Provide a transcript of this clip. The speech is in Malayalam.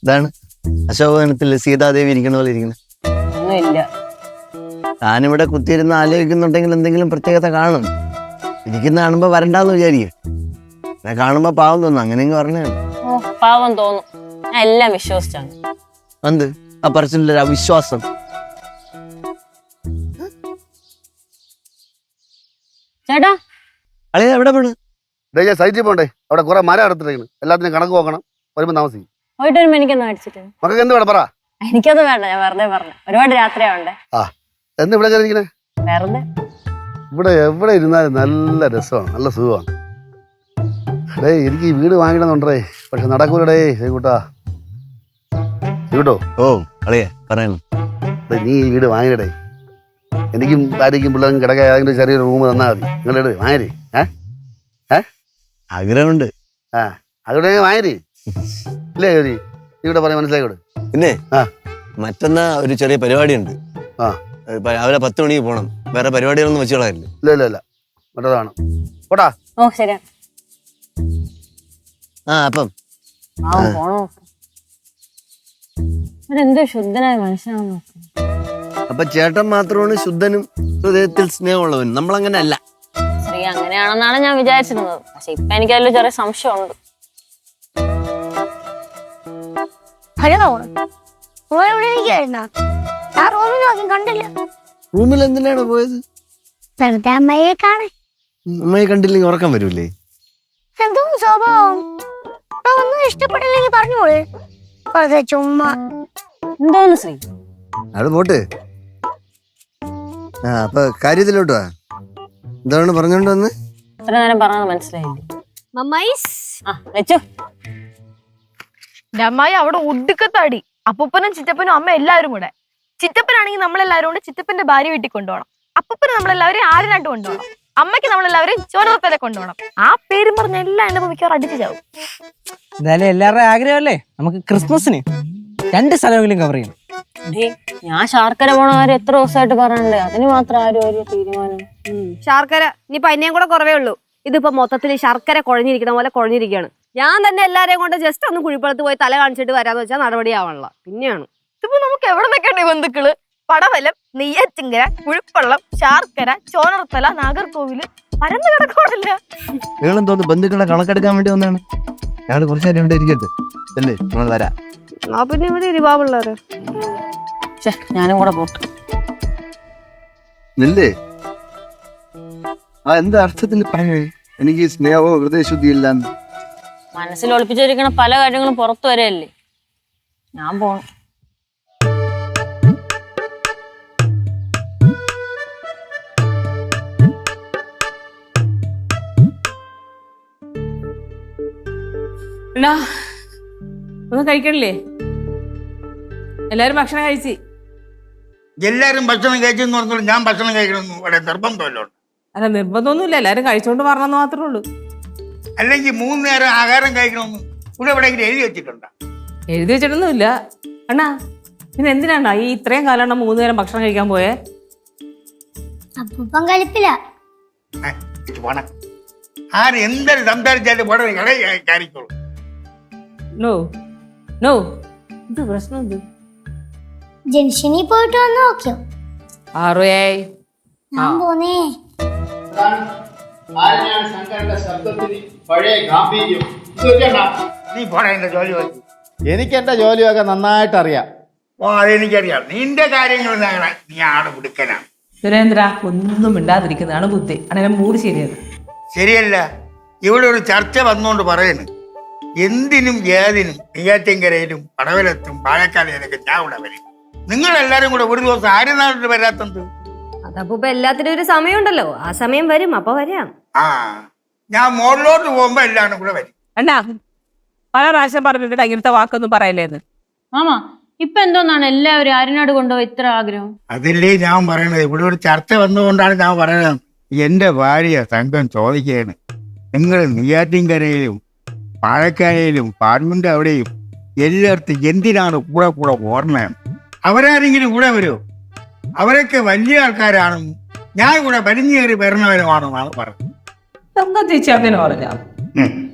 ഇതാണ് അശോകവനത്തിൽ സീതാദേവി ഇരിക്കണ പോലെ ഇരിക്കുന്നത്. താനിവിടെ കുത്തിയിരുന്ന് ആലോചിക്കുന്നുണ്ടെങ്കിൽ എന്തെങ്കിലും പ്രത്യേകത കാണും. ഇരിക്കുന്ന കാണുമ്പോ വരണ്ടാന്ന് വിചാരിക്കും. കാണുമ്പോ പാവം തോന്നും. അങ്ങനെയെങ്കിൽ പറഞ്ഞാണ്. പാവം തോന്നും. ഞാൻ എല്ലാം വിശ്വസിച്ചാണ്. എന്ത് ആ പറച്ചിലൊരു അവിശ്വാസം? ചേട്ടാ അളിയ എവിടെ പോണ്? ഞാൻ സൈറ്റിൽ പോണ്ടേ, അവിടെ കുറെ മരം എടുത്തിരിക്കുന്നു. എല്ലാത്തിനും കണക്ക് നോക്കണം. വരുമ്പോ താമസിക്കും. പോയിട്ട് വരുമ്പോ എനിക്കൊന്ന് മേടിച്ചിട്ട്. മക്കൾക്ക് എന്ത് വേണം പറ. എനിക്കത് വേണ്ട, ഞാൻ വെറുതെ പറഞ്ഞു. ഒരുപാട് രാത്രിയാവണ്ടേ. എന്ന് ഇവിടെ കയറിയിരിക്കണേ? വെറുതെ. ഇവിടെ എവിടെ ഇരുന്നാലും നല്ല രസമാണ്, നല്ല സുഖമാണ്. എനിക്ക് ഈ വീട് വാങ്ങിക്കണമെന്നുണ്ടേ, പക്ഷെ നടക്കൂലടേ. കൂട്ടാ കേട്ടോ. ഓ അളിയ പറയുന്നു. നീ ഈ വീട് വാങ്ങിടേ. എനിക്കും ഭാര്യയ്ക്കും പിള്ളേർക്കും കിടക്കാൻ ഏതെങ്കിലും ചെറിയൊരു റൂം തന്നാൽ മതി. നിങ്ങളുടെ വാങ്ങരി. ആഗ്രഹമുണ്ട്. അവിടെ വാങ്ങരി ഇല്ലേ? നീ ഇവിടെ പറയാൻ മനസ്സിലായിക്കോട്ടെ. പിന്നെ മറ്റന്നാ ഒരു ചെറിയ പരിപാടി ഉണ്ട്. രാവിലെ 10 മണിക്ക് പോണം. വേറെ പരിപാടികളൊന്നും വെച്ച് കളയല്ലേ? ഇല്ല മറ്റേതാണ്. പോട്ടാ. ഓ ശരിയാ. അപ്പം എന്തോ ശുദ്ധനായ മനുഷ്യനാണെന്ന് നോക്കാം. അപ്പൊ ചേട്ടൻ മാത്രമാണ് ശുദ്ധനും ഹൃദയത്തിൽ സ്നേഹമുള്ളവനും. നമ്മളങ്ങനെ അല്ല. ശ്രീ അങ്ങനെയാണെന്നാണ് ഞാൻ വിചാരിച്ചിരുന്നത്. പക്ഷെ ഇപ്പൊ എനിക്ക് അതിൽ ചെറിയ സംശയമുണ്ട്. റൂമിൽ എന്തിനാണ് പോയത്? അമ്മയെ കണ്ടില്ലെങ്കിൽ ഉറക്കം വരൂലേ? എന്തോ സ്വഭാവം. ഒന്നും ഇഷ്ടപ്പെട്ടില്ലെങ്കിൽ പറഞ്ഞോളൂ. ചുമ്മാ എന്തോന്ന് ശ്രീ? അത് പോട്ട്. അപ്പൊ കാര്യത്തിലോട്ട് വാ. എന്താണ് പറഞ്ഞോണ്ട് വന്ന്? ഇത്ര നേരം പറഞ്ഞത് മനസ്സിലായില്ലേ? അമ്മായി അവിടെ ഒടുക്കത്താടി. അപ്പൂപ്പനും ചിറ്റപ്പനും അമ്മ എല്ലാവരും കൂടെ. ചിറ്റപ്പനാണെങ്കിൽ നമ്മളെല്ലാവരും കൂടെ ചിറ്റപ്പന്റെ ഭാര്യ വീട്ടിൽ കൊണ്ടുപോകണം. അപ്പൂപ്പന് നമ്മളെല്ലാവരും ആടിനാട്ട് കൊണ്ടുപോകണം. അമ്മയ്ക്ക് നമ്മളെല്ലാവരും ചോരത്തല കൊണ്ടുപോകണം. ആ പേരും പറഞ്ഞ എല്ലാം എന്റെ മിക്കവാറും അടിച്ചു ചാവും. എന്തായാലും എല്ലാവരുടെയും ആഗ്രഹമല്ലേ, നമുക്ക് ക്രിസ്മസിന് 2 സ്ഥലമെങ്കിലും കവർ ചെയ്യണം. ഞാൻ ശർക്കര പോണ കാര്യം എത്ര ദിവസമായിട്ട് പറയണ്ടേ? അതിന് മാത്രം ആരും ഒരു തീരുമാനം. ശർക്കര ഇനിയിപ്പൊ അതിനെയും കൂടെ കുറവേ ഉള്ളൂ. ഇതിപ്പോ മൊത്തത്തിൽ ശർക്കര കുഴഞ്ഞിരിക്കുന്ന പോലെ കുഴഞ്ഞിരിക്കുകയാണ്. ഞാൻ തന്നെ എല്ലാരെയും കൊണ്ട് ജസ്റ്റ് ഒന്ന് കുഴിപ്പുറത്ത് പോയി തല കാണിച്ചിട്ട് വരാന്ന് വെച്ചാൽ നടപടിയാവാനുള്ള. പിന്നെയാണ് ഇതിപ്പോ നമുക്ക് എവിടെ നിൽക്കണ്ടേ ബന്ധുക്കള്? പടവലം, നെയ്യാറ്റിങ്കര, കുഴിപ്പള്ളം, ശാർക്കര, ചോനർത്തല, നാഗർകോവില് പരന്നു കിടക്കോടല്ല. നിങ്ങളും തോന്നുന്നു ബന്ധുക്കളെ കണക്കെടുക്കാൻ വേണ്ടി വന്നാണ്. ഞങ്ങൾ കുറച്ചു നേരം ഇവിടെ ഇരിക്കട്ടെ അല്ലേ? നമ്മൾ വരാം. പിന്നെ ഇവിടെ ഇരുപാവുള്ളവര്. ഞാനും കൂടെ പോട്ട്. ഇല്ലേ? എന്താ അർത്ഥത്തിൽ പറയേ? എനിക്ക് സ്നേഹമോ ഹൃദയശുദ്ധി ഇല്ലാന്ന്. മനസ്സിൽ ഒളിപ്പിച്ചിരിക്കണ പല കാര്യങ്ങളും പുറത്തു വരെയല്ലേ. ഞാൻ പോണം. ഒന്നും കഴിക്കണില്ലേ? എല്ലാരും ഭക്ഷണം കഴിച്ച്. എല്ലാരും ഭക്ഷണം കഴിച്ചെന്ന് പറഞ്ഞോളൂ. ഞാൻ ഭക്ഷണം കഴിക്കണമെന്ന് ഇവിടെ നിർബന്ധമല്ലോ. അല്ല നിർബന്ധമൊന്നുമില്ല, എല്ലാരും കഴിച്ചോണ്ട് പറഞ്ഞെന്ന് മാത്രമേ ഉള്ളൂ. അല്ലെങ്കിൽ 3 നേരം ആഹാരം കഴിക്കണമെന്ന് ഇവിടെ എവിടെയെങ്കിലും എഴുതി വെച്ചിട്ടുണ്ടോ? എഴുതി വെച്ചിട്ടൊന്നുമില്ല. അണ്ണാ പിന്നെ എന്തിനാ ഈ ഇത്രയും കാലം 3 നേരം ഭക്ഷണം കഴിക്കാൻ പോയേ? അപ്പൂപ്പൻ കളിപ്പില്ല. ആര് എന്തൊരു സംസാരിച്ചാലും വളരെ കാര്യത്തോളൂ. നോ നോ, ഇത് പ്രശ്നം എന്ത്? ജംഗ്ഷനിൽ പോയിട്ട് വന്ന് നോക്കിയോ? ഞാൻ പോന്നേ. നീ പോടാ, എന്റെ ജോലി വെച്ചു. എനിക്ക് എന്റെ ജോലിയൊക്കെ നന്നായിട്ട് അറിയാം. അതെനിക്കറിയാം. നിന്റെ കാര്യങ്ങൾ നീ ആട് പിടിക്കനാണ്. സുരേന്ദ്ര ഒന്നും മിണ്ടാതിരിക്കുന്നതാണ് ബുദ്ധി. അങ്ങനെ മൂട് ശരിയാണ്. ശരിയല്ല. ഇവിടെ ഒരു ചർച്ച വന്നുകൊണ്ട് പറയുന്നു. എന്തിനും ഏതിനും നെയ്യാറ്റിൻകരയിലും പടവലത്തും പാലക്കാടിലൊക്കെ ഞാൻ ഇവിടെ വരും. നിങ്ങളെല്ലാരും കൂടെ ഒരു ദിവസം ആരും നാട്ടിൽ വരാത്തത്? അതപ്പോ എല്ലാത്തിനും ഒരു സമയമുണ്ടല്ലോ. ആ സമയം വരും, അപ്പൊ വരാം. ഞാൻ മോളിലോട്ട് പോകുമ്പോ എല്ലാരും കൂടെ വരും. അണ്ണാ പല പ്രാവശ്യം പറഞ്ഞിട്ട് ഇങ്ങനത്തെ വാക്കൊന്നും പറയല്ലേന്ന്. മാമാ ഇപ്പൊ എന്തോന്നാണ് എല്ലാവരും ആരിനാട് കൊണ്ടുപോയി ഇത്ര ആഗ്രഹം? അതില്ലേ ഞാൻ പറയണത്. ഇവിടെ ഒരു ചർച്ച വന്നുകൊണ്ടാണ് ഞാൻ പറയുന്നത്. എന്റെ ഭാര്യ സംഘം ചോദിക്കുകയാണ്, നിങ്ങൾ നെയ്യാറ്റിൻകരയിലും പാലക്കാരയിലും പാർലമെന്റ് അവിടെയും എല്ലായിടത്തും എന്തിനാണ് കൂടെ കൂടെ ഓർമ്മയാണ്? അവരാരെങ്കിലും കൂടെ വരുമോ? അവരൊക്കെ വലിയ ആൾക്കാരാണെന്നും ഞാൻ കൂടെ വലിഞ്ഞേറി വരുന്നവരുമാണെന്നാണ് പറഞ്ഞത്. ചേച്ചി അങ്ങനെ പറഞ്ഞ